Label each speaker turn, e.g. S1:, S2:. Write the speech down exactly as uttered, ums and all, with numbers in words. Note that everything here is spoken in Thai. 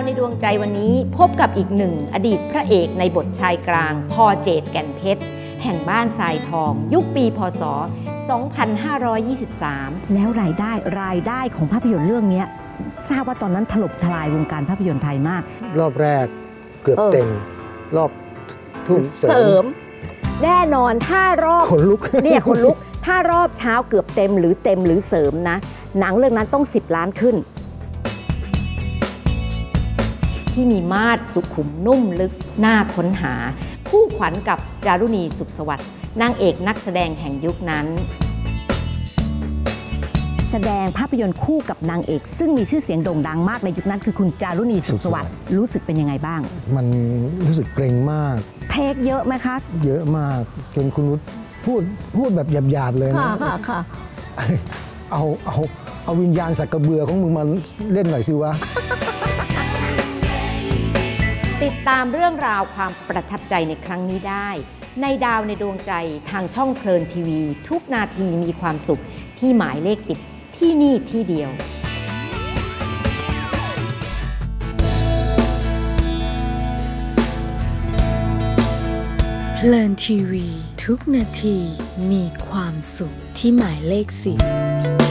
S1: ในดวงใจวันนี้พบกับอีกหนึ่งอดีตพระเอกในบทชายกลางพอเจตแก่นเพชรแห่งบ้านทรายทองยุคปีพ.ศ. สองพันห้าร้อยยี่สิบสาม
S2: แล้วรายได้รายได้ของภาพยนตร์เรื่องนี้ทราบว่าตอนนั้นถล่มทลายวงการภาพยนตร์ไทยมาก
S3: รอบแรกเกือบเต็มรอบทุ่มเสริม
S2: แน่นอนถ้ารอบ
S3: คนลุก
S2: เนี่ยคนลุกถ้ารอบเช้าเกือบเต็มหรือเต็มหรือเสริมนะหนังเรื่องนั้นต้องสิบล้านขึ้น
S1: ที่มีมาดสุขุมนุ่มลึกน่าค้นหาคู่ขวัญกับจารุณีสุขสวัสดิ์นางเอกนักแสดงแห่งยุคนั้น
S2: แสดงภาพยนตร์คู่กับนางเอกซึ่งมีชื่อเสียงโด่งดังมากในยุคนั้นคือคุณจารุณีสุขสวัสดิ์รู้สึกเป็นยังไงบ้าง
S3: มันรู้สึกเกรงมาก
S2: เทคเยอะไหมคะ
S3: เยอะมากจนคุณนุชพูดพูดแบบหยาบๆเลยนะ
S2: ค่ะค่ะ
S3: เอาเอาเอาวิญญาณสักกระเบือของมึงมาเล่นหน่อยสิวะ
S1: ติดตามเรื่องราวความประทับใจในครั้งนี้ได้ในดาวในดวงใจทางช่องเพลินทีวีทุกนาทีมีความสุขที่หมายเลขสิบที่นี่ที่เดียว
S4: เพลินทีวีทุกนาทีมีความสุขที่หมายเลขสิบ